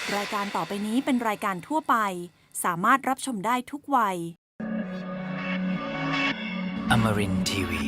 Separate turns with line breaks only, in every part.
รายการต่อไปนี้เป็นรายการทั่วไปสามารถรับชมได้ทุกวัย
Amarin Tiwi.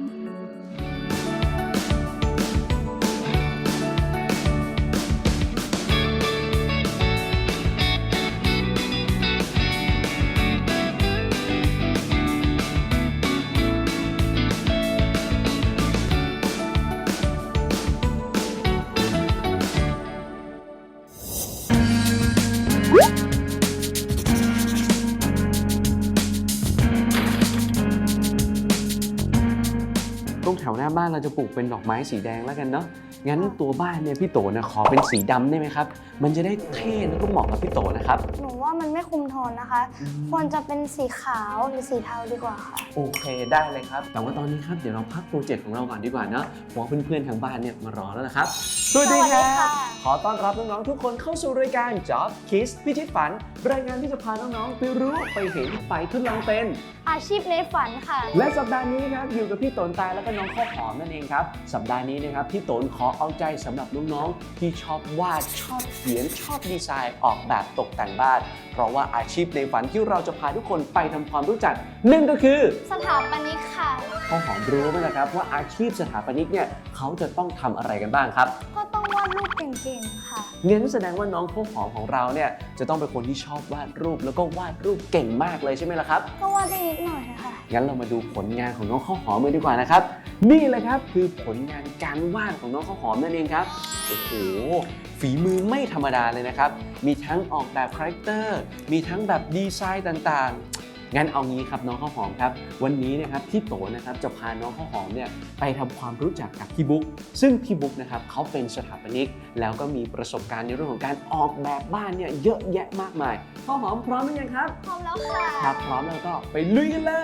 ตรงแถวหน้าบ้านเราจะปลูกเป็นดอกไม้สีแดงแล้วกันเนาะงั้นตัวบ้านเนี่ยพี่โตนะขอเป็นสีดำได้ไหมครับมันจะได้เท่แล้วก็เหมาะกับพี่โตนะครับ
หนูว่ามันไม่คุมโทนนะคะ ควรจะเป็นสีขาวหรือสีเทาดีกว่าค่ะ
โอเคได้เลยครับแต่ว่าตอนนี้ครับเดี๋ยวเราพักโปรเจกต์ของเราก่อนดีกว่าเนาะเพราะว่าเพื่อนๆทางบ้านเนี่ยมารอแล้วนะครับสวัสดีครั
สวัสดีค่ะ
บขอต้อนรับน้องๆทุกคนเข้าสู่รายการ Job Kids พิชิตฝันรายการที่จะพาน้องๆไปรู้ไปเห็นไปทดลองเป็น
อาชีพในฝันค่ะ
และสัปดาห์นี้ครับอยู่กับพี่โตนตายแล้วก็น้องข้าวหอมนั่นเองครับสัปดาห์นี้นะครับพี่โตนขอเอาใจสำหรับน้องๆที่ชอบวาดชอบเขียนชอบดีไซน์ออกแบบตกแต่งบ้านเพราะว่าอาชีพในฝันที่เราจะพาทุกคนไปทำความรู้จักนั่นก็คือ
สถาปนิกค่ะ
ข้าวหอมรู้ไหมล่ะครับว่าอาชีพสถาปนิกเนี่ยเขาจะต้องทำอะไรกันบ้างครับ
ก็ต้องวาดรูปเก่งๆค่ะ
งั้นแสดงว่าน้องข้าวหอมของเราเนี่ยจะต้องเป็นคนที่ชอบวาดรูปแล้วก็วาดรูปเก่งมากเลยใช่ไหมล่ะครับ
ก็วาดได้นิดหน่อยค่ะ
งั้นเรามาดูผลงานของน้องข้าวหอมกันดีกว่านะครับนี่เลยครับคือผลงานการวาดของน้องข้าวหอมนั่นเองครับโอ้โหฝีมือไม่ธรรมดาเลยนะครับมีทั้งออกแบบคาแรคเตอร์มีทั้งแบบดีไซน์ต่างๆงั้นเอางี้ครับน้องข้าวหอมครับวันนี้นะครับพี่โตนะครับจะพาน้องข้าวหอมเนี่ยไปทำความรู้จักกับพี่บุ๊กซึ่งพี่บุ๊กนะครับเขาเป็นสถาปนิกแล้วก็มีประสบการณ์ในเรื่องของการออกแบบบ้านเนี่ยเยอะแยะมากมายข้าวหอมพร้อมหรือยังครับ
พร้อมแล้วค่ะ
ครับพร้อมแล้วก็ไปลุยกันเลย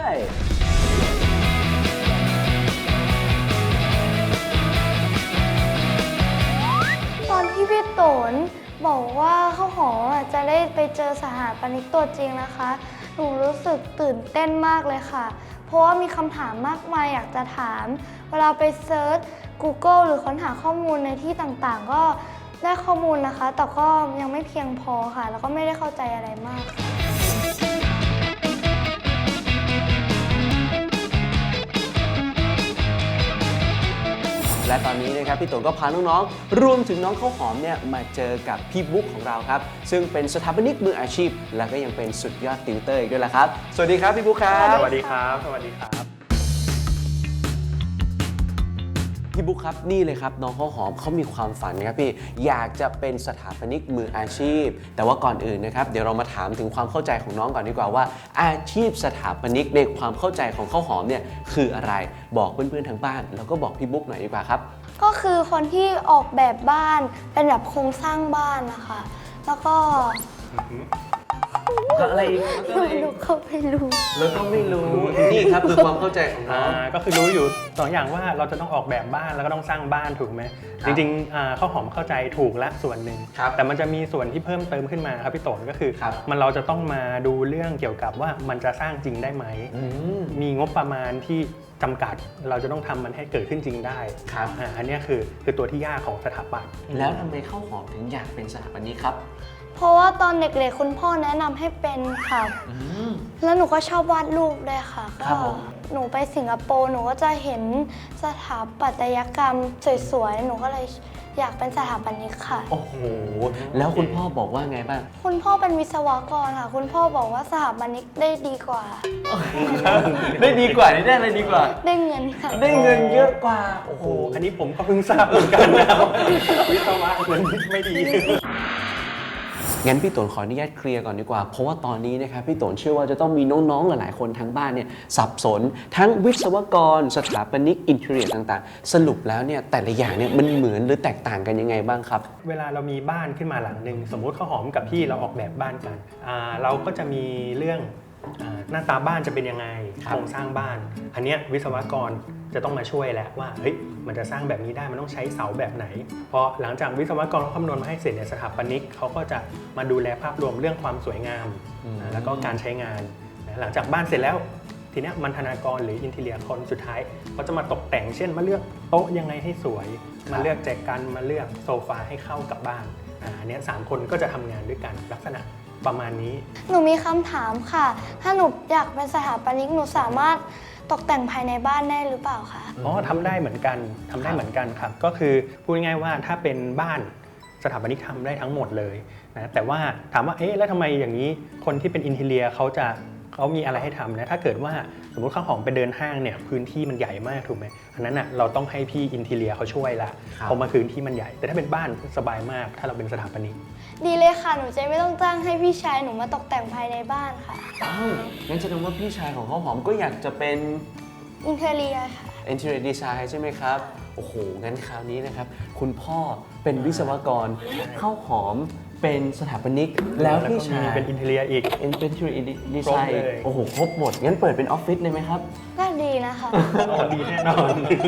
ตอนที่พี่โตนบอกว่าข้าวหอมจะได้ไปเจอสถาปนิกตัวจริงนะคะ หนูรู้สึกตื่นเต้นมากเลยค่ะ เพราะว่ามีคำถามมากมายอยากจะถาม เวลาไปเซิร์ช Google หรือค้นหาข้อมูลในที่ต่างๆ ก็ได้ข้อมูลนะคะ แต่ก็ยังไม่เพียงพอค่ะ แล้วก็ไม่ได้เข้าใจอะไรมากค่ะ
และตอนนี้นะครับพี่โตก็พาน้องๆรวมถึงน้องข้าวหอมเนี่ยมาเจอกับพี่บุ๊กของเราครับซึ่งเป็นสถาปนิกมืออาชีพ และก็ยังเป็นสุดยอดติวเตอร์อีกด้วยล่ะครับสวัสดีครับพี่บุ๊กครับ
ส
ส
วั
วั
ส
ส
ดี
ดี
ค
ค
รั
รับ บ สวัสดีครับ
พี่บุ๊กครับนี่เลยครับน้องข้าวหอมเขามีความฝันนะครับพี่อยากจะเป็นสถาปนิกมืออาชีพ แต่ว่าก่อนอื่นนะครับเดี๋ยวเรามาถามถึงความเข้าใจของน้องก่อนดีกว่าว่า อาชีพสถาปนิกในความเข้าใจของข้าวหอมเนี่ยคืออะไรบอกเพื่อนๆทางบ้านแล้วก็บอกพี่บุ๊กหน่อยดีกว่าครับ
ก็คือคนที่ออกแบบบ้านเป็นแบบโครงสร้างบ้านนะคะ แล้วก็
อะไรอีก
หนูก็ไม่รู้
แล้วก็ไม่รู้นี่ครับคือความเข้าใจของน้อง
ก็คือรู้อยู่สองอย่างว่าเราจะต้องออกแบบบ้านแล้วก็ต้องสร้างบ้านถูกไหม
ครับ
จริงๆข้าวหอมเข้าใจถูกละส่วนหนึ่ง
ครับ
แต่มันจะมีส่วนที่เพิ่มเติมขึ้นมาครับพี่โตนก็คือ
ครับ
เราจะต้องมาดูเรื่องเกี่ยวกับว่ามันจะสร้างจริงได้ไหม
อืม
มีงบประมาณที่จำกัดเราจะต้องทำมันให้เกิดขึ้นจริงได้
ครับ
อันเนี้ยคือตัวที่ยากของสถาปัตย์
แล้วทำไมข้าวหอมถึงอยากเป็นสถาปนิกครับ
เพราะว่าตอนเด็กๆคุณพ่อแนะนำให้เป็นค่ะ
อืม
แล้วหนูก็ชอบวาดรูปด้วยค่ะ
ครั
ก็
บผม
หนูไปสิงคโปร์หนูก็จะเห็นสถาปัตยกรรมสวยๆ หนูก็เลยอยากเป็นสถาปนิกค่ะ
โอ้โหแล้วคุณพ่อบอกว่าไงบ้าง
คุณพ่อเป็นวิศวกรค่ะ คุณพ่อบอกว่าสถาปนิกได้ดีกว่า
ได้ดีกว่าได้อะไรดีกว่า
ได้เงินค่ะ
ได้เงินเยอะกว่าโอ้โห
โอ้อันนี้ผมก็เพิ่งทราบเหมือนกันนะครับ วิศวะเงินไม่ดี
งั้นพี่โตนขออนุญาตเคลียร์ก่อนดีกว่า เพราะว่าตอนนี้นะครับพี่โตนเชื่อว่าจะต้องมีน้องๆหลายๆคนทั้งบ้านเนี่ยสับสน ทั้งวิศวกรสถาปนิกอินเทอร์เน็ตต่างๆ สรุปแล้วเนี่ยแต่ละอย่างเนี่ยมันเหมือนหรือแตกต่างกันยังไงบ้างครับ
เวลาเรามีบ้านขึ้นมาหลังหนึ่งสมมุติข้าวหอมกับพี่เราออกแบบบ้านกันเราก็จะมีเรื่องหน้าตาบ้านจะเป็นยังไง
ครับ
โครงสร้างบ้าน อันเนี้ยวิศวกรจะต้องมาช่วยแล้วว่าเฮ้ยมันจะสร้างแบบนี้ได้มันต้องใช้เสาแบบไหนพอหลังจากวิศวกรเขาคำนวณมาให้เสร็จเนี่ยสถาปนิกเขาก็จะมาดูแลภาพรวมเรื่องความสวยงามแล้วก็การใช้งานหลังจากบ้านเสร็จแล้ว ทีเนี้ยบรรณาธิการหรืออินทีเรียคนสุดท้ายเขาจะมาตกแต่งเช่นมาเลือกโต๊ะยังไงให้สวย มาเลือกแจกันมาเลือกโซฟาให้เข้ากับบ้านอันเนี้ย3 คนก็จะทำงานด้วยกันลักษณะประมาณนี้
หนูมีคำถามค่ะ ถ้าหนูอยากเป็นสถาปนิกหนูสามารถตกแต่งภายในบ้านได้หรือเปล่าคะ
อ๋อทำได้เหมือนกันทำได้เหมือนกันครับก็คือพูดง่ายๆว่าถ้าเป็นบ้านสถาปนิกทำได้ทั้งหมดเลยนะแต่ว่าถามว่าเอ๊ะแล้วทำไมอย่างนี้คนที่เป็นอินทีเรียเขามีอะไรให้ทำนะถ้าเกิดว่าสมมติข้าวหอมไปเดินห้างเนี่ยพื้นที่มันใหญ่มากถูกไหมอันนั้นอ่ะเราต้องให้พี่อินทีเรียเขาช่วยละเพราะมันพื้นที่มันใหญ่แต่ถ้าเป็นบ้านสบายมากถ้าเราเป็นสถาปนิก
ดีเลยค่ะ หนูจะไม่ต้องจ้างให้พี่ชายหนูมาตกแต่งภายในบ้านค่ะ
อ้าวงั้นแสดงว่าพี่ชายของข้าวหอมก็อยากจะเป็น
อินเทเรียค่ะ
Interior Design ใช่ไหมครับ โอ้โห งั้นคราวนี้นะครับ คุณพ่อเป็นวิศวกรข้าวหอมเป็นสถาปนิก แล้วพี่ชาย
เป็นอินทีเรียอีก
Interior
ครบ
Design
เลย
โอ้โห ครบหมด งั้นเปิดเป็นออฟฟิศเลยไหมครับ
ก็ดีนะคะ
อ๋อดีแน่นอน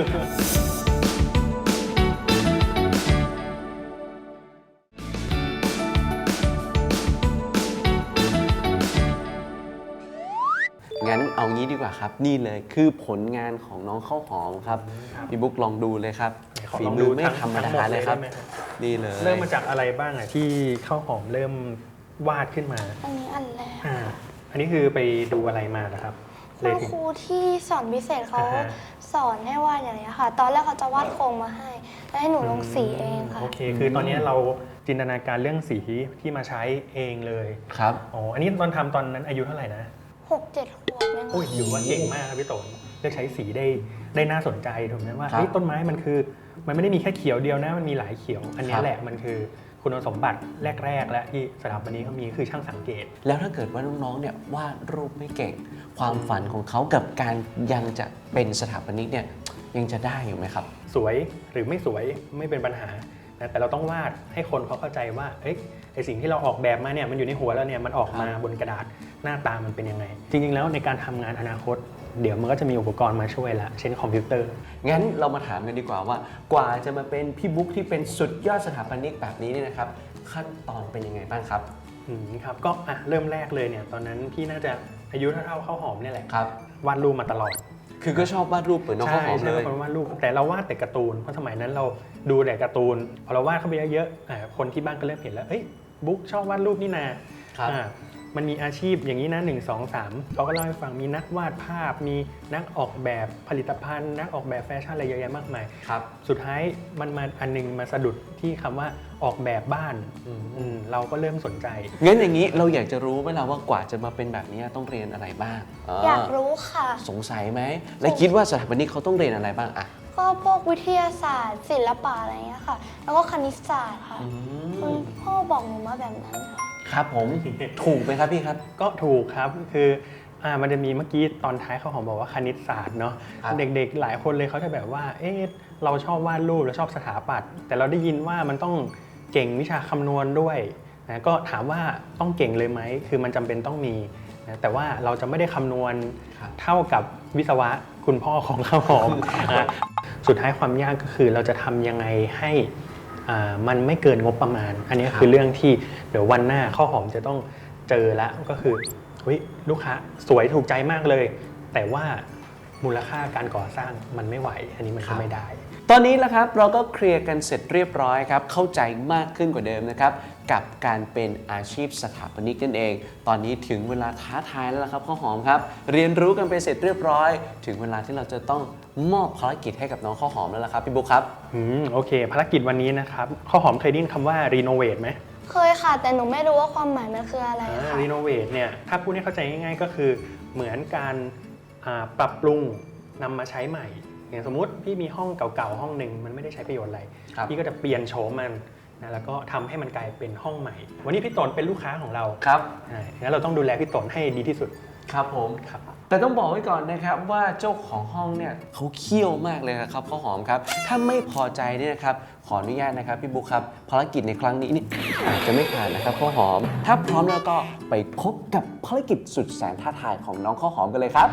งั้นเอางี้ดีกว่าครับ นี่เลยคือผลงานของน้องข้าวหอมครับ พี่บุ๊กลองดูเลยครับ
ขอ
ฝี
ลอง
มื
ดู
อไม่ธรรมดาเลยครับ
ทั้งหมดเลยได้ไหมครับ
นี่เลย
เริ่มมาจากอะไรบ้างอ่ะที่ข้าวหอมเริ่มวาดขึ้นมา
อันนี้อันแรก
อันนี้คือไปดูอะไรมานะครับ
คุณครูที่สอนพิเศษเขา
อ่าฮะ
สอนให้วาดอย่างนี้ยค่ะ ตอนแรกเขาจะวาดโครงมาให้ แล้วให้หนูลงสีเองค่ะ
โอเค คือตอนนี้เราจินตนาการเรื่องสีที่มาใช้เองเลย
ครับ
อ๋ออันนี้ตอนทำตอนนั้นอายุเท่าไหร่นะ
6-7 ขวบเนี่ย
โอ้ยถือว่าเก่งมากครับพี่โตนเลือกใช้สีได้น่าสนใจถูกไหมว่า
ครับ
เฮ้ยต้นไม้มันคือมันไม่ได้มีแค่เขียวเดียวนะมันมีหลายเขียว อันนี้
ครับ
แหละมันคือคุณสมบัติแรกๆและที่สถาปนิกเขามีคือช่างสังเกต
แล้วถ้าเกิดว่าน้องๆ เนี่ยวาดรูปไม่เก่ง ความฝันของเขากับการยังจะเป็นสถาปนิกเนี่ยยังจะได้อยู่ไหมครับ
สวยหรือไม่สวยไม่เป็นปัญหานะแต่เราต้องวาดให้คนเขาเข้าใจว่าเอ้ยไอสิ่งที่เราออกแบบมาเนี่ยมันอยู่ในหัวแล้วเนี่ยมันออกมาบนกระดาษหน้าตามันเป็นยังไง จริงๆแล้วในการทำงานอนาคต เดี๋ยวมันก็จะมีอุปกรณ์มาช่วยละเช่นคอมพิวเตอร์
งั้นเรามาถามกันดีกว่าว่ากว่าจะมาเป็นพี่บุ๊กที่เป็นสุดยอดสถาปนิกแบบนี้เนี่ยนะครับ ขั้นตอนเป็นยังไงบ้างครับ
ครับก็เริ่มแรกเลยเนี่ยตอนนั้นพี่น่าจะอายุเท่าข้าวหอมเนี่ยแหละ
ครับ
วาดรูปมาตลอด
คือก็ชอบวาดรูปเหมือนน้องข้าวหอมเลย
ใช่วาดรูปแต่เราวาดแต่การ์ตูนเพราะสมัยนั้นเราดูแต่การ์ตูนพอเราวาดเข้าไปเยอะๆคนที่บ้านก็เริ่มเห็นแล้วเอ้ยบุ๊กชอบวาดรูปนี่นา
ครับ
มันมีอาชีพอย่างนี้นะ1 2 3เขาก็เล่าให้ฟังมีนักวาดภาพ มีนักออกแบบผลิตภัณฑ์ นักออกแบบแฟชั่นอะไรเยอะแยะมากมาย
ครับ
สุดท้ายมันมาอันนึงมาสะดุดที่คำว่าออกแบบบ้านเราก็เริ่มสนใจ
งั้นอย่างนี้เราอยากจะรู้ไหมล่ะว่ากว่าจะมาเป็นแบบนี้ต้องเรียนอะไรบ้าง
อยากรู้ค่ะ
สงสัยไหม และคิดว่าสถาปนิกเขาต้องเรียนอะไรบ้างอะ
ก็พวกวิทยาศาสตร์ ศิลปะอะไรเงี้ยค่ะ แล้วก็คณิตศาสตร์ค่ะคุณพ่อบอกหนูมาแบบนั้นค่ะ
ครับผม ถูกไหมครับพี่ครับ
ก็ถูกครับคือมันจะมีเมื่อกี้ตอนท้ายเขาของบอกว่าคณิตศาสตร์เนาะ
ครับ
เด็กๆหลายคนเลยเขาจะแบบว่าเอ๊ะเราชอบวาดรูปเราชอบสถาปัตย์แต่เราได้ยินว่ามันต้องเก่งวิชาคำนวณด้วยนะก็ถามว่าต้องเก่งเลยไหมคือมันจำเป็นต้องมีนะแต่ว่าเราจะไม่ได้คำนวณ
ครับ
เท่ากับวิศวะคุณพ่อของข้าวหอม สุดท้ายความยากก็คือเราจะทำยังไงให้มันไม่เกินงบประมาณ อันนี้คือเรื่องที่เดี๋ยววันหน้าข้าวหอมจะต้องเจอแล้วก็คือเฮ้ยลูกค้าสวยถูกใจมากเลย แต่ว่ามูลค่าการก่อสร้างมันไม่ไหว อันนี้มันก็ไม่ได้
ตอนนี้แล้วครับเราก็เคลียร์กันเสร็จเรียบร้อยครับเข้าใจมากขึ้นกว่าเดิมนะครับกับการเป็นอาชีพสถาปนิกนั่นเอง ตอนนี้ถึงเวลาท้าทายแล้วล่ะครับข้าวหอมครับเรียนรู้กันไปเสร็จเรียบร้อย ถึงเวลาที่เราจะต้องมอบภารกิจให้กับน้องข้าวหอมแล้วล่ะครับพี่บุ๊คครับ
โอเค ภารกิจวันนี้นะครับข้าวหอมเคยได้ยินคำว่ารีโนเวทไหม
เคยค่ะ แต่หนูไม่รู้ว่าความหมายมันคืออะไรค่ะ
รีโนเวทเนี่ยถ้าพูดให้เข้าใจง่ายๆก็คือเหมือนการปรับปรุงนำมาใช้ใหม่ อย่างสมมุติพี่มีห้องเก่าๆห้องหนึ่งมันไม่ได้ใช้ประโยชน์อะไร
ครับ
พี่ก็จะเปลี่ยนโฉมมันนะแล้วก็ทำให้มันกลายเป็นห้องใหม่ วันนี้พี่ตนเป็นลูกค้าของเรา
ครับ
งั้นเราต้องดูแลพี่ตนให้ดีที่สุด
ครับผม
ครับ
แต่ต้องบอกไว้ก่อนนะครับว่าเจ้าของห้องเนี่ยเขาเขี้ยวมากเลยนะครับข้าวหอมครับถ้าไม่พอใจเนี่ยนะครับขออนุญาตนะครับพี่บุ๊คครับภารกิจในครั้งนี้นี่อาจจะไม่ผ่านนะครับข้าวหอม ถ้าพร้อมแล้วก็ไปพบกับภารกิจสุดแสนท้าทายของน้องข้าวหอมกันเลยครับ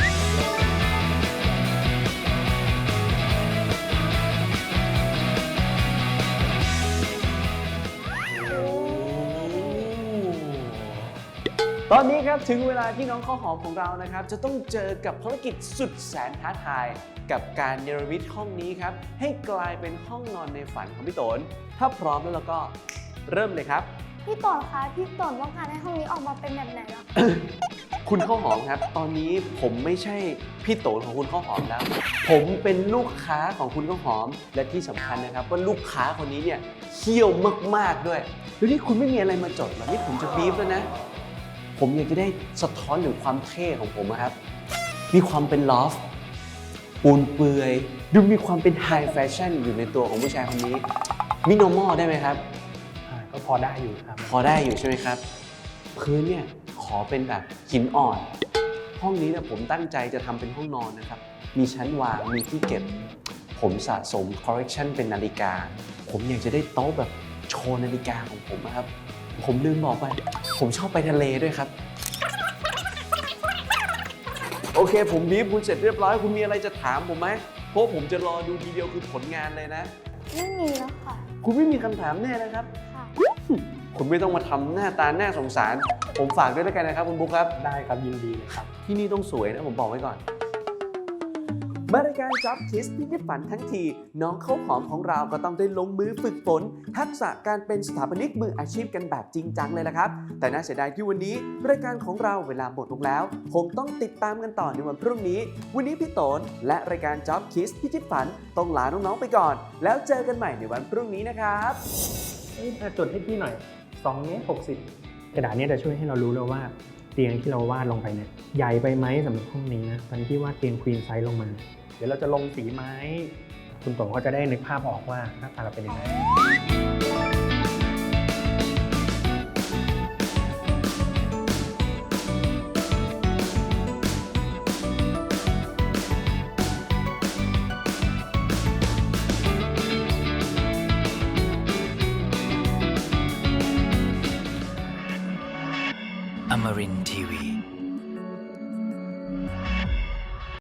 ตอนนี้ครับถึงเวลาที่น้องข้าวหอมของเรานะครับจะต้องเจอกับภารกิจสุดแสนท้าทาย กับการเนรมิตห้องนี้ครับให้กลายเป็นห้องนอนในฝันของพี่โตนถ้าพร้อมแล้วเราก็ไปเริ่มเลยครับ
พี่ต่นคะพี่ต่นต้องการให้ห้องนี้ออกมาเป็นแบบไหนล่ะ
คุณข้าวหอมครับ ตอนนี้ผมไม่ใช่พี่โตของคุณข้าวหอมแล้ว ผมเป็นลูกค้าของคุณข้าวหอม และที่สำคัญนะครับว่าลูกค้าคนนี้เนี่ยเขี้ยวมากๆด้วยแล้วนี่คุณไม่มีอะไรมาจดเหรอนี่ผมจะบีฟแล้วนะ ผมอยากจะได้สะท้อนถึงความเท่ของผมนะครับ มีความเป็นลอฟปูนเปือยดูมีความเป็นไฮแฟชั่นอยู่ในตัวของผู้ชายคนนี้มิโนมอลได้ไหมครับ
ก็พอได้อยู่ครับ
พอได้อยู่ใช่ไหมครับ พื้นเนี่ยขอเป็นแบบหินอ่อน ห้องนี้เนี่ยผมตั้งใจจะทำเป็นห้องนอนนะครับ มีชั้นวาง มีที่เก็บ ผมสะสมคอลเลกชันเป็นนาฬิกา ผมอยากจะได้โต๊ะแบบโชว์นาฬิกาของผมนะครับ ผมลืมบอกไป ผมชอบไปทะเลด้วยครับ โอเค ผมบีบคุณเสร็จเรียบร้อย คุณมีอะไรจะถามผมไหม เพราะผมจะรอดูทีเดียวคือผลงานเลยนะ
ไม่มีแล้วค่ะ
คุณไม่มีคำถามแน่นะครับ
ค่ะ
คุณไม่ต้องมาทำหน้าตาหน้าสงสาร ผมฝากด้วยแล้วกันนะครับคุณบุ๊คครับ
ได้ครับยินดีเลยครับ
ที่นี่ต้องสวยนะผมบอกไว้ก่อน มารายการ Job Kiss พิพิธฝันทั้งที น้องข้าวหอมของเราก็ต้องได้ลงมือฝึกฝน ทักษะการเป็นสถาปนิกมืออาชีพกันแบบจริงจังเลยละครับ แต่น่าเสียดายที่วันนี้รายการของเราเวลาหมดลงแล้ว คงต้องติดตามกันต่อในวันพรุ่งนี้ วันนี้พี่โตนและรายการ Job Kiss พิพิธฝันต้องลาน้องๆไปก่อน แล้วเจอกันใหม่ในวันพรุ่งนี้นะครับ
จดให้พี่หน่อย2 เมตร 60 กระดาษเนี้จะช่วยให้เรารู้เลยว่าเตียงที่เราวาดลงไปเนี่ยใหญ่ไปไหมสำหรับห้องนี้นะตอนที่วาดเตียงควีนไซส์ลงมา เดี๋ยวเราจะลงสีไม้ คุณโตก็จะได้นึกภาพออกว่าหน้าตาเราเป็นยังไง
Amarin Tiwi.